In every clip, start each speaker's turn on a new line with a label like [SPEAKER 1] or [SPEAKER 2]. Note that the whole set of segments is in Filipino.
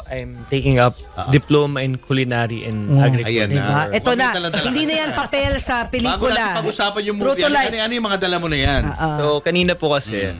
[SPEAKER 1] I'm taking up diploma in culinary and agriculture.
[SPEAKER 2] Ayan na.
[SPEAKER 3] Ito na,
[SPEAKER 2] Dala-dala.
[SPEAKER 3] hindi na yan papel sa
[SPEAKER 2] Bago natin
[SPEAKER 3] pelikula.
[SPEAKER 2] pag-usapan yung
[SPEAKER 3] True
[SPEAKER 2] movie,
[SPEAKER 3] to life.
[SPEAKER 2] ano yung mga dala mo na yan?
[SPEAKER 1] So, kanina po kasi,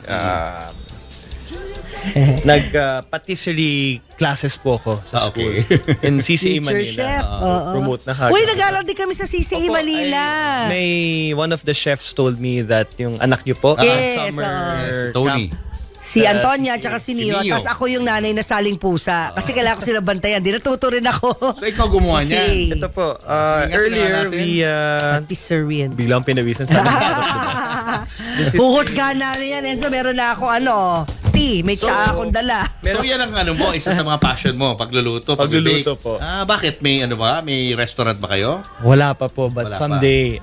[SPEAKER 1] nag-patisserie classes po ako sa school.
[SPEAKER 2] Okay.
[SPEAKER 1] In CCA
[SPEAKER 3] Teacher
[SPEAKER 1] Manila.
[SPEAKER 3] chef.
[SPEAKER 1] Promote na hagdan.
[SPEAKER 3] Uy, nag-aaral din kami sa CCA
[SPEAKER 1] Opo,
[SPEAKER 3] Manila.
[SPEAKER 1] May one of the chefs told me that yung anak niyo po,
[SPEAKER 3] Yes,
[SPEAKER 1] summer
[SPEAKER 2] Tony.
[SPEAKER 1] camp.
[SPEAKER 3] Si Antonia at saka si Neo.
[SPEAKER 2] Neo.
[SPEAKER 3] Tapos ako yung nanay na saling pusa. Kasi kailangan ko sila bantayan. Di natuto rin ako.
[SPEAKER 2] So, ikaw gumawa
[SPEAKER 3] Si
[SPEAKER 2] niyan?
[SPEAKER 1] Ito po,
[SPEAKER 2] Sige,
[SPEAKER 1] earlier
[SPEAKER 2] natin.
[SPEAKER 1] we,
[SPEAKER 3] Patisserie.
[SPEAKER 1] biglang pinawisan sa
[SPEAKER 3] Huhusgahan namin yan. Enzo, meron na ako tea. May tsaa akong dala.
[SPEAKER 2] So yan ang ano mo, isa sa mga passion mo, pagluluto,
[SPEAKER 1] Pagluluto
[SPEAKER 2] pag-bake.
[SPEAKER 1] po.
[SPEAKER 2] Bakit? May ano ba? May restaurant ba kayo?
[SPEAKER 1] Wala pa po, but
[SPEAKER 2] Wala pa.
[SPEAKER 1] someday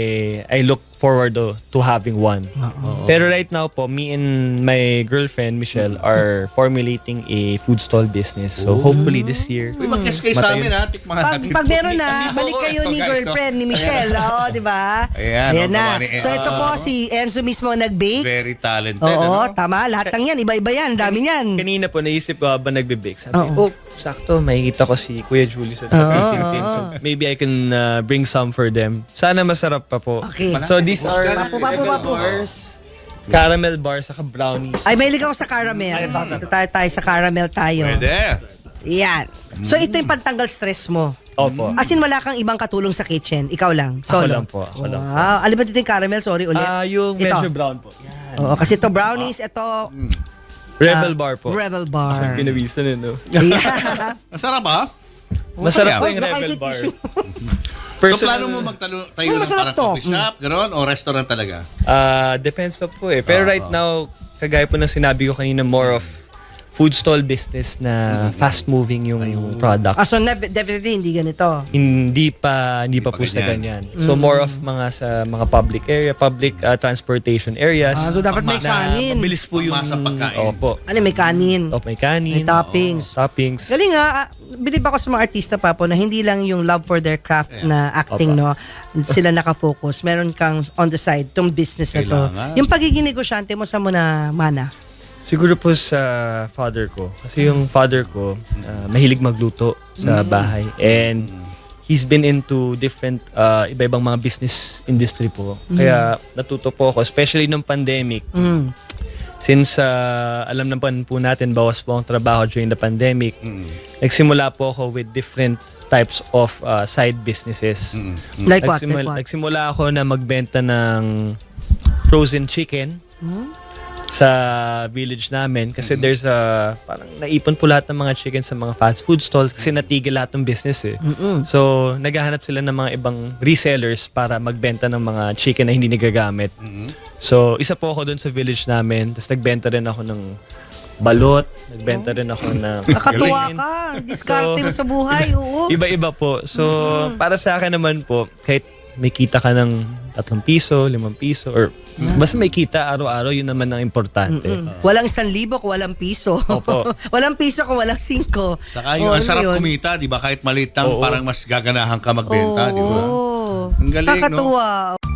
[SPEAKER 1] I look forward to having one. Pero right now po, me and my girlfriend Michelle are formulating a food stall business. So hopefully this year.
[SPEAKER 2] Uy, mag-guess kayo sa amin ha. Tikman natin.
[SPEAKER 3] Pag meron na,
[SPEAKER 2] Hindi po
[SPEAKER 3] balik
[SPEAKER 2] ako.
[SPEAKER 3] kayo
[SPEAKER 2] Ito,
[SPEAKER 3] ni
[SPEAKER 2] guys,
[SPEAKER 3] girlfriend ni Michelle. Oo, di ba?
[SPEAKER 2] Ayan,
[SPEAKER 3] na.
[SPEAKER 2] gawa ni
[SPEAKER 3] So ito po si Enzo mismo ang nag-bake.
[SPEAKER 2] Very talented.
[SPEAKER 3] Oo,
[SPEAKER 2] ano?
[SPEAKER 3] tama. Lahat ng yan. Iba-iba yan. Dami yan.
[SPEAKER 1] Kanina po naisip ko habang nagbe-bake. Sabi, sakto, makikita ko si Kuya Julie sa baking team. So maybe I can bring some for them. Sana masarap pa po.
[SPEAKER 3] Okay.
[SPEAKER 1] So these are
[SPEAKER 3] Papo.
[SPEAKER 1] bars, caramel bars, saka brownies.
[SPEAKER 3] Ay, mahilig ako sa caramel. Ito tayo sa caramel tayo.
[SPEAKER 2] Pwede.
[SPEAKER 3] Yan. So ito yung pantanggal stress mo.
[SPEAKER 1] Opo.
[SPEAKER 3] As in, wala kang ibang katulong sa kitchen. Ikaw lang. Solo.
[SPEAKER 1] Ako lang po. Ako lang po.
[SPEAKER 3] Wow. Alam mo dito yung caramel? Sorry ulit.
[SPEAKER 1] Yung
[SPEAKER 3] Ito.
[SPEAKER 1] medyo brown po. Yan.
[SPEAKER 3] Oo, kasi ito brownies, ito
[SPEAKER 1] Rebel bar po.
[SPEAKER 3] Rebel bar.
[SPEAKER 1] Pinawisan no?
[SPEAKER 3] Yeah.
[SPEAKER 2] Masarap ha?
[SPEAKER 1] Masarap po yung
[SPEAKER 3] Baka
[SPEAKER 1] Rebel
[SPEAKER 3] ito
[SPEAKER 1] bar.
[SPEAKER 3] tissue.
[SPEAKER 2] So plano mo tayo
[SPEAKER 3] Uy,
[SPEAKER 2] ng
[SPEAKER 3] masarap
[SPEAKER 2] parang
[SPEAKER 3] to.
[SPEAKER 2] coffee shop, gano'n, o restaurant talaga?
[SPEAKER 1] Depends pa po eh. Pero right now, kagaya po ng sinabi ko kanina, more of food stall business na fast-moving yung product.
[SPEAKER 3] So definitely hindi ganito.
[SPEAKER 1] Hindi pa po sa
[SPEAKER 2] ganyan.
[SPEAKER 1] ganyan. So more of sa mga public area, public transportation areas.
[SPEAKER 3] So dapat may
[SPEAKER 2] Pangmasa.
[SPEAKER 3] kanin.
[SPEAKER 1] Mabilis po yung
[SPEAKER 2] Pangmasa pagkain.
[SPEAKER 1] Opo.
[SPEAKER 3] Ano, may kanin.
[SPEAKER 1] May kanin.
[SPEAKER 3] May toppings.
[SPEAKER 1] Toppings.
[SPEAKER 3] Galing nga, bilib ako sa mga artista pa po na hindi lang yung love for their craft na acting, no? Sila nakafocus. Meron kang on the side, tong business na to.
[SPEAKER 2] Kailangan.
[SPEAKER 3] Yung pagiging negosyante mo sa mo na mana.
[SPEAKER 1] Siguro po sa father ko. Kasi yung father ko, mahilig magluto sa bahay. And he's been into different, iba-ibang mga business industry po. Kaya natuto po ako, especially nung pandemic. Since alam naman po natin, bawas po ang trabaho during the pandemic, nagsimula po ako with different types of side businesses.
[SPEAKER 3] Like what? Like what?
[SPEAKER 1] Nagsimula ako na magbenta ng frozen chicken sa village namin kasi there's parang naipon po lahat ng mga chicken sa mga fast food stalls kasi natigil lahat ng business eh. So, naghahanap sila ng mga ibang resellers para magbenta ng mga chicken na hindi nagagamit. So, isa po ako doon sa village namin. Tapos nagbenta rin ako ng balot, nagbenta rin ako ng
[SPEAKER 3] Nakatuwa ka. Diskarte mo sa buhay. Oo.
[SPEAKER 1] Iba-iba po. So, para sa akin naman po, kahit may kita ka ng 3 piso, 5 piso, or basta may kita araw-araw, yun naman ang importante.
[SPEAKER 3] Walang 1,000 kung walang piso.
[SPEAKER 1] Opo.
[SPEAKER 3] Walang piso kung walang 5.
[SPEAKER 2] Saka yung ang sarap kumita, di ba? Kahit maliit lang, parang mas gaganahan ka magbenta, di ba?
[SPEAKER 3] Oo.
[SPEAKER 2] Ang galing, no?
[SPEAKER 3] Kakatuwa.